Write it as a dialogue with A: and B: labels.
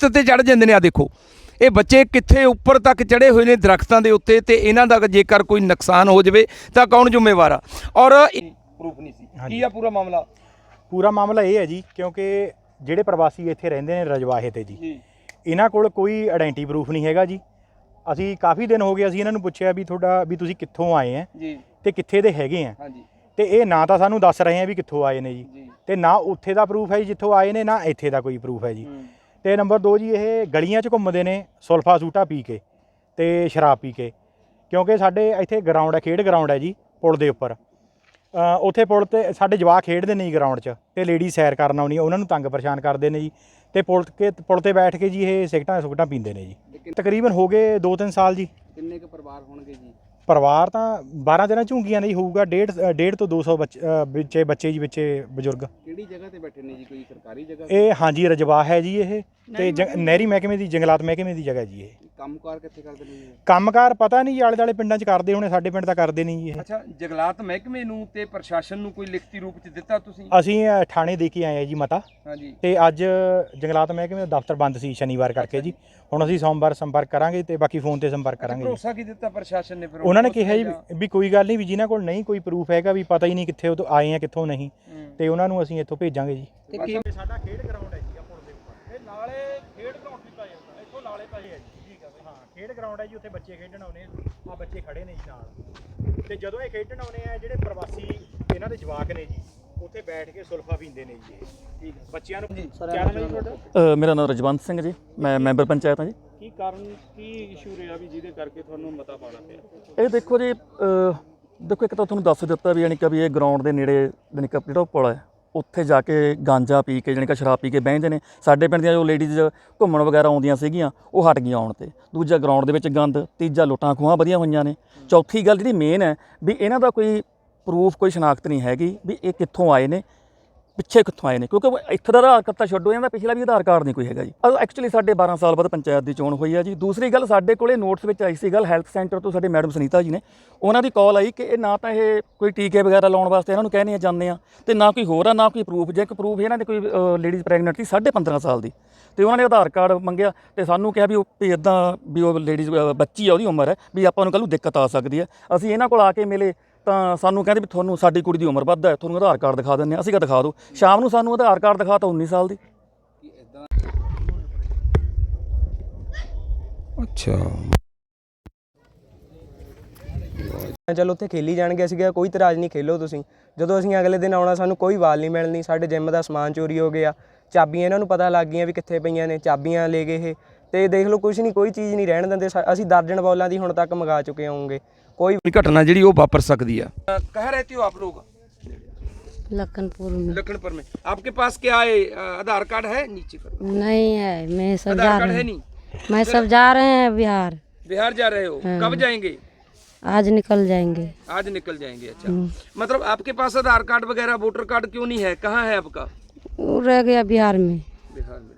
A: ਦਰਖਤ ਤੇ ਚੜ੍ਹ ਜਾਂਦੇ ਨੇ। ਆ ਦੇਖੋ ਇਹ ਬੱਚੇ ਕਿੱਥੇ ਉੱਪਰ ਤੱਕ ਚੜ੍ਹੇ ਹੋਏ ਨੇ ਦਰਖਤਾਂ ਦੇ ਉੱਤੇ, ਤੇ ਇਹਨਾਂ ਦਾ ਜੇਕਰ ਕੋਈ ਨੁਕਸਾਨ ਹੋ ਜਾਵੇ ਤਾਂ ਕੌਣ ਜ਼ਿੰਮੇਵਾਰ ਆ? ਔਰ ਪ੍ਰੂਫ ਨਹੀਂ ਸੀ ਕੀ ਆ ਪੂਰਾ ਮਾਮਲਾ?
B: ਪੂਰਾ ਮਾਮਲਾ ਇਹ ਹੈ ਜੀ, ਕਿਉਂਕਿ ਜਿਹੜੇ ਪ੍ਰਵਾਸੀ ਇੱਥੇ ਰਹਿੰਦੇ ਨੇ ਰਜਵਾਹੇ ਤੇ ਜੀ, ਇਹਨਾਂ ਕੋਲ ਕੋਈ ਆਇਡੈਂਟੀ ਪ੍ਰੂਫ ਨਹੀਂ ਹੈਗਾ ਜੀ। ਅਸੀਂ ਕਾਫੀ ਦਿਨ ਹੋ ਗਏ, ਅਸੀਂ ਇਹਨਾਂ ਨੂੰ ਪੁੱਛਿਆ ਵੀ ਤੁਹਾਡਾ ਵੀ ਤੁਸੀਂ ਕਿੱਥੋਂ ਆਏ ਆ
A: ਜੀ
B: ਤੇ ਕਿੱਥੇ ਦੇ ਹੈਗੇ ਆ, ਤੇ ਇਹ ਨਾ ਤਾਂ ਸਾਨੂੰ ਦੱਸ ਰਹੇ ਆ ਵੀ ਕਿੱਥੋਂ ਆਏ ਨੇ ਜੀ, ਤੇ ਨਾ ਉੱਥੇ ਦਾ ਪ੍ਰੂਫ ਹੈ ਜੀ ਜਿੱਥੋਂ ਆਏ ਨੇ, ਨਾ ਇੱਥੇ ਦਾ ਕੋਈ ਪ੍ਰੂਫ ਹੈ ਜੀ। ਤੇ ਨੰਬਰ 2 ਜੀ, ਇਹ ਗਲੀਆਂ 'ਚ ਘੁੰਮਦੇ ਨੇ ਸੁਲਫਾ ਸੂਟਾ ਪੀ ਕੇ ਤੇ ਸ਼ਰਾਬ ਪੀ ਕੇ, ਕਿਉਂਕਿ ਸਾਡੇ ਇੱਥੇ ਗਰਾਊਂਡ ਹੈ, ਖੇਡ ਗਰਾਊਂਡ ਹੈ ਜੀ ਪੁਲ ਦੇ ਉੱਪਰ। ਉੱਥੇ ਪੁਲ 'ਤੇ ਸਾਡੇ ਜਵਾਕ ਖੇਡਦੇ ਨੇ ਜੀ ਗਰਾਊਂਡ 'ਚ, ਤੇ ਲੇਡੀ ਸੈਰ ਕਰਨ ਆਉਣੀ, ਉਹਨਾਂ ਨੂੰ ਤੰਗ ਪਰੇਸ਼ਾਨ ਕਰਦੇ ਨੇ ਜੀ। ਤੇ ਪੁਲ 'ਤੇ ਬੈਠ ਕੇ ਜੀ ਇਹ ਸਿਗਰਟਾਂ ਪੀਂਦੇ ਨੇ ਜੀ। ਤਕਰੀਬਨ ਹੋ ਗਏ 2-3 ਸਾਲ ਜੀ।
C: ਕਿੰਨੇ ਕੁ ਪਰਿਵਾਰ ਹੋਣਗੇ ਜੀ?
B: ਪਰਿਵਾਰ ਤਾਂ 12 ਦਿਨਾਂ ਝੁੰਗੀਆਂ ਨਹੀਂ ਹੋਊਗਾ, 1.5 ਤੋਂ 200 ਬੱਚੇ ਜੀ, ਵਿੱਚੇ ਬਜ਼ੁਰਗ।
C: ਕਿਹੜੀ ਜਗ੍ਹਾ ਤੇ ਬੈਠੇ ਨੇ ਜੀ, ਕੋਈ ਸਰਕਾਰੀ ਜਗ੍ਹਾ?
B: ਇਹ ਹਾਂਜੀ ਰਜਵਾਹ ਹੈ ਜੀ ਇਹ, ਤੇ ਨਹਿਰੀ ਮਹਿਕਮੇ ਦੀ, ਜੰਗਲਾਤ ਮਹਿਕਮੇ ਦੀ ਜਗ੍ਹਾ ਜੀ ਇਹ।
C: ਕੰਮਕਾਰ ਕਿੱਥੇ ਕਰਦੇ ਨੇ ਜੀ?
B: ਕੰਮਕਾਰ ਪਤਾ ਨਹੀਂ ਜੀ, ਆਲੇ ਦੁਆਲੇ ਪਿੰਡਾਂ 'ਚ ਕਰਦੇ ਹੋਣੇ, ਸਾਡੇ ਪਿੰਡ ਤਾਂ ਕਰਦੇ ਨਹੀਂ ਜੀ ਇਹ।
A: ਅੱਛਾ, ਜੰਗਲਾਤ ਮਹਿਕਮੇ ਨੂੰ ਤੇ ਪ੍ਰਸ਼ਾਸਨ ਨੂੰ ਕੋਈ ਲਿਖਤੀ ਰੂਪ 'ਚ ਦਿੱਤਾ ਤੁਸੀਂ?
B: ਅਸੀਂ ਥਾਣੇ ਦੇ ਕੇ ਆਏ ਆ ਜੀ ਮਤਾ।
A: ਹਾਂਜੀ। ਤੇ
B: ਅੱਜ ਜੰਗਲਾਤ ਮਹਿਕਮੇ ਦਾ ਦਫ਼ਤਰ ਬੰਦ ਸੀ ਸ਼ਨੀਵਾਰ ਕਰਕੇ ਜੀ। ਹੁਣ ਅਸੀਂ ਸੋਮਵਾਰ ਸੰਪਰਕ ਕਰਾਂਗੇ ਤੇ ਬਾਕੀ ਫੋਨ ਤੇ ਸੰਪਰਕ ਕਰਾਂਗੇ।
A: ਭਰੋਸਾ ਕੀ ਦਿੱਤਾ ਪ੍ਰਸ਼ਾਸਨ ਨੇ ਫਿਰ?
B: ਉਹਨਾਂ ਨੇ ਕਿਹਾ ਜੀ ਵੀ ਕੋਈ ਗੱਲ ਨਹੀਂ, ਵੀ ਜਿਨ੍ਹਾਂ ਕੋਲ ਨਹੀਂ ਕੋਈ ਪ੍ਰੂਫ ਹੈਗਾ, ਵੀ ਪਤਾ ਹੀ ਨਹੀਂ ਕਿੱਥੇ ਉਹ ਆਏ ਆ ਕਿੱਥੋਂ ਨਹੀਂ, ਤੇ ਉਹਨਾਂ ਨੂੰ ਅਸੀਂ ਇੱਥੋਂ ਭੇਜਾਂਗੇ ਜੀ। ਸਾਡਾ ਖੇਡ ਗਰਾਊਂਡ ਹੈ ਜੀ, ਪੁਲ ਦੇ ਉੱਪਰ ਇਹ ਨਾਲੇ ਖੇਡ ਗਰਾਊਂਡ ਦਿੱਤਾ ਜਾਂਦਾ, ਇੱਥੋਂ ਨਾਲੇ ਪਏ ਹੈ ਜੀ। ਠੀਕ ਹੈ, ਹਾਂ ਖੇਡ ਗਰਾਊਂਡ ਹੈ ਜੀ, ਉੱਥੇ ਬੱਚੇ ਖੇਡਣ ਆਉਂਦੇ ਆ, ਬੱਚੇ ਖੜੇ ਨੇ ਜੀ ਨਾਲ। ਤੇ ਜਦੋਂ ਇਹ ਖੇਡਣ ਆਉਂਦੇ ਆ, ਜਿਹੜੇ ਪ੍ਰਵਾਸੀ ਇਹਨਾਂ ਦੇ ਜਵਾਕ ਨੇ ਜੀ, ਉੱਥੇ ਬੈਠ ਕੇ ਸੁਲਫਾ ਪੀਂਦੇ ਨੇ ਜੀ। ਠੀਕ ਹੈ, ਬੱਚਿਆਂ ਨੂੰ ਕੀ ਨਾਮ ਹੈ ਜੀ ਤੁਹਾਡਾ?
D: ਮੇਰਾ ਨਾਮ ਰਜਵੰਤ ਸਿੰਘ ਜੀ, ਮੈਂ ਮੈਂਬਰ ਪੰਚਾਇਤ ਹਾਂ ਜੀ।
C: ਕੀ ਕਾਰਨ, ਕੀ ਇਸ਼ੂ ਰਿਹਾ ਵੀ ਜਿਹਦੇ ਕਰਕੇ ਤੁਹਾਨੂੰ ਮਤਾ ਪਾਉਣਾ ਪਿਆ?
D: ਇਹ ਦੇਖੋ ਜੀ, ਦੇਖੋ ਇੱਕ ਤਾਂ ਤੁਹਾਨੂੰ ਦੱਸ ਦਿੱਤਾ ਵੀ ਯਾਨੀ ਕਿ ਵੀ ਇਹ ਗਰਾਊਂਡ ਦੇ ਨੇੜੇ ਯਾਨੀ ਕਿ ਜਿਹੜਾ ਪੁਲ ਹੈ, ਉੱਥੇ ਜਾ ਕੇ ਗਾਂਜਾ ਪੀ ਕੇ ਯਾਨੀ ਕਿ ਸ਼ਰਾਬ ਪੀ ਕੇ ਬਹਿੰਦੇ ਨੇ। ਸਾਡੇ ਪਿੰਡ ਦੀਆਂ ਜੋ ਲੇਡੀਜ਼ ਘੁੰਮਣ ਵਗੈਰਾ ਆਉਂਦੀਆਂ ਸੀਗੀਆਂ, ਉਹ ਹਟ ਗਈਆਂ ਆਉਣ ਤੇ। ਦੂਜਾ, ਗਰਾਊਂਡ ਦੇ ਵਿੱਚ ਗੰਦ। ਤੀਜਾ, ਲੁੱਟਾਂ ਖੋਹਾਂ ਵਧੀਆਂ ਹੋਈਆਂ ਨੇ। ਚੌਥੀ ਗੱਲ ਜਿਹੜੀ ਮੇਨ ਹੈ ਵੀ ਇਹਨਾਂ ਦਾ ਕੋਈ ਪ੍ਰੂਫ, ਕੋਈ ਸ਼ਨਾਖਤ ਨਹੀਂ ਹੈਗੀ ਵੀ ਇਹ ਕਿੱਥੋਂ ਆਏ ਨੇ, ਪਿੱਛੇ ਕਿੱਥੋਂ ਆਏ ਨੇ, ਕਿਉਂਕਿ ਇੱਥੇ ਦਾ ਆਧਾਰ ਕਾਰਡ ਤਾਂ ਛੱਡੋ, ਇਹਨਾਂ ਦਾ ਪਿਛਲਾ ਵੀ ਆਧਾਰ ਕਾਰਡ ਨਹੀਂ ਕੋਈ ਹੈਗਾ ਜੀ। ਐਕਚੁਅਲੀ ਸਾਡੇ 12 ਸਾਲ ਬਾਅਦ ਪੰਚਾਇਤ ਦੀ ਚੋਣ ਹੋਈ ਆ ਜੀ। ਦੂਸਰੀ ਗੱਲ, ਸਾਡੇ ਕੋਲੇ ਨੋਟਸ ਵਿੱਚ ਆਈ ਸੀ ਗੱਲ, ਹੈਲਥ ਸੈਂਟਰ ਤੋਂ ਸਾਡੇ ਮੈਡਮ ਸੁਨੀਤਾ ਜੀ ਨੇ, ਉਹਨਾਂ ਦੀ ਕਾਲ ਆਈ ਕਿ ਇਹ ਨਾ ਤਾਂ ਇਹ ਕੋਈ ਟੀਕੇ ਵਗੈਰਾ ਲਾਉਣ ਵਾਸਤੇ ਇਹਨਾਂ ਨੂੰ ਕਹਿੰਦੇ ਜਾਂਦੇ ਆ, ਤੇ ਨਾ ਕੋਈ ਹੋਰ ਆ, ਨਾ ਕੋਈ ਪ੍ਰੂਫ। ਜੇ ਇੱਕ ਪ੍ਰੂਫ ਇਹਨਾਂ ਦੇ ਕੋਈ ਲੇਡੀਜ਼ ਪ੍ਰੈਗਨੈਂਟ ਸੀ 15.5 ਸਾਲ ਦੀ, ਤੇ ਉਹਨਾਂ ਨੇ ਆਧਾਰ ਕਾਰਡ ਮੰਗਿਆ, ਤੇ ਸਾਨੂੰ ਕਿਹਾ ਵੀ ਉਹ ਇੱਦਾਂ ਵੀ ਉਹ ਲੇਡੀਜ਼ ਬੱਚੀ ਆ, ਉਹਦੀ ਉਮਰ ਹੈ, ਵੀ ਆਪਾਂ ਨੂੰ ਕੱਲ੍ਹ ਨੂੰ ਦਿੱਕਤ ਆ ਸਕਦੀ ਹੈ। ਅਸੀਂ ਇਹਨਾਂ ਕੋਲ ਆ ਕੇ ਮਿਲੇ ਤਾਂ ਸਾਨੂੰ ਕਹਿੰਦੇ ਵੀ ਤੁਹਾਨੂੰ ਸਾਡੀ ਕੁੜੀ ਦੀ ਉਮਰ ਵੱਧ ਹੈ, ਤੁਹਾਨੂੰ ਆਧਾਰ ਕਾਰਡ ਦਿਖਾ ਦਿੰਦੇ ਹਾਂ। ਅਸੀਂ ਕਿਹਾ ਦਿਖਾ ਦਿਓ। ਸ਼ਾਮ ਨੂੰ ਸਾਨੂੰ ਆਧਾਰ ਕਾਰਡ ਦਿਖਾਤਾ 19 ਸਾਲ ਦੀ।
A: ਅੱਛਾ,
E: ਚਲੋ ਉੱਥੇ ਖੇਲੀ ਜਾਣਗੇ, ਅਸੀਂ ਕਿਹਾ ਕੋਈ ਇਤਰਾਜ਼ ਨਹੀਂ, ਖੇਲੋ ਤੁਸੀਂ। ਜਦੋਂ ਅਸੀਂ ਅਗਲੇ ਦਿਨ ਆਉਣਾ, ਸਾਨੂੰ ਕੋਈ ਵਾਲ ਨਹੀਂ ਮਿਲਣੀ। ਸਾਡੇ ਜਿੰਮ ਦਾ ਸਮਾਨ ਚੋਰੀ ਹੋ ਗਿਆ, ਚਾਬੀਆਂ ਇਹਨਾਂ ਨੂੰ ਪਤਾ ਲੱਗ ਗਈਆਂ ਵੀ ਕਿੱਥੇ ਪਈਆਂ ਨੇ, ਚਾਬੀਆਂ ਲੈ ਗਏ ਇਹ। ਤੇ ਦੇਖ ਲਓ, ਕੁਛ ਨਹੀਂ, ਕੋਈ ਚੀਜ਼ ਨਹੀਂ ਰਹਿਣ ਦਿੰਦੇ। ਅਸੀਂ ਦਰਜਨ ਬੌਲਾਂ ਦੀ ਹੁਣ ਤੱਕ ਮੰਗਾ ਚੁੱਕੇ ਹੋਵਾਂਗੇ। कोई
A: घटना जी वो वापर सकती है। कहाँ रहती हो आप लोग?
F: लखनपुर में।
A: लखनपुर में। आपके पास क्या है, आधार कार्ड है? नीचे करो।
F: नहीं है, मैं सब
A: आधार
F: जा
A: कार्ड
F: रहे
A: है
F: हैं।
A: नहीं?
F: मैं सब जा रहे हैं बिहार।
A: बिहार जा रहे हो?
F: हाँ।
A: कब जाएंगे?
F: आज निकल जाएंगे।
A: आज निकल जाएंगे। अच्छा, मतलब आपके पास आधार कार्ड वगैरह वोटर कार्ड क्यों नहीं है? कहाँ है आपका?
F: वो रह गया बिहार में।
A: बिहार में।